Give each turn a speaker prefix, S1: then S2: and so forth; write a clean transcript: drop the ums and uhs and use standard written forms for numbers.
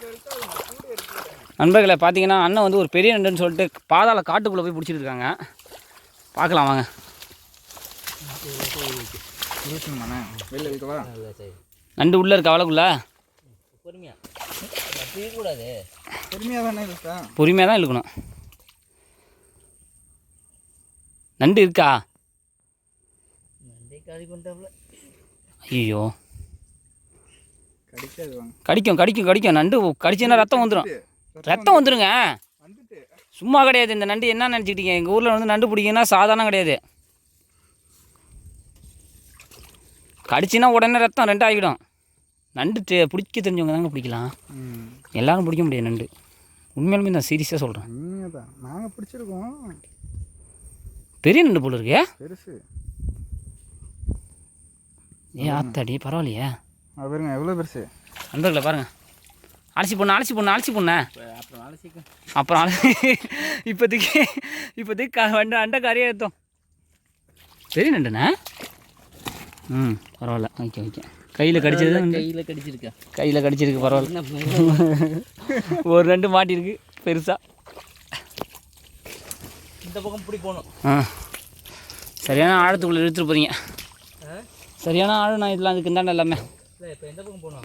S1: நண்பர்களை பார்த்தீங்கன்னா அண்ணன் வந்து ஒரு பெரிய நண்டுன்னு சொல்லிட்டு பாதாள காட்டுக்குள்ளே போய் பிடிச்சிட்டு இருக்காங்க. பார்க்கலாம் வாங்க. நண்டு உள்ளே இருக்கா அவளுக்குள்ள? பொறுமையாக தான் இழுக்கணும். நண்டு இருக்கா? ஐயோ, கடிக்கும் கடிக்கும் கடிக்கும். நண்டு கடிச்சுன்னா ரத்தம் வந்துடும். ரத்தம் வந்துடுங்க. சும்மா கிடையாது இந்த நண்டு. என்ன நினச்சிக்கிட்டீங்க? எங்கள் ஊரில் வந்து நண்டு பிடிக்குன்னா சாதாரணம் கிடையாது. கடிச்சுன்னா உடனே ரத்தம் 2 ஆகிடும். நண்டு பிடிக்க தெரிஞ்சவங்க தாங்க பிடிக்கலாம். எல்லாரும் பிடிக்க முடியாது நண்டு. உண்மையாலுமே நான் சீரியஸாக சொல்கிறேன்.
S2: நாங்கள் பிடிச்சிருக்கோம்.
S1: பெரிய நண்டு போல இருக்கே.
S2: பெருசு.
S1: ஏன் ஆத்தாடி பரவாயில்லையே.
S2: பாருங்க எவ்வளோ பெருசு.
S1: நண்பர்களை பாருங்கள். அலசி பொண்ணு அலசி பொண்ணு அலசி பொண்ணு அப்புறம் இப்போதைக்கு வண்டு அண்டை கரையை ஏற்றோம். பெரிய நண்டுண்ணே. பரவாயில்ல. Okay okay. கையில் கடிச்சது. கையில் கடிச்சிருக்கு. பரவாயில்ல. ஒரு நண்டு மாட்டிருக்கு பெருசாக. இந்த பக்கம் பிடி போகணும். சரியான ஆழத்துக்குள்ளே இழுத்துட்டு போகிறீங்க. சரியான ஆழம். நான் இதெல்லாம் அதுக்கு இந்தாண்ட எல்லாமே. இப்போ எந்த பக்கம் போகணும்?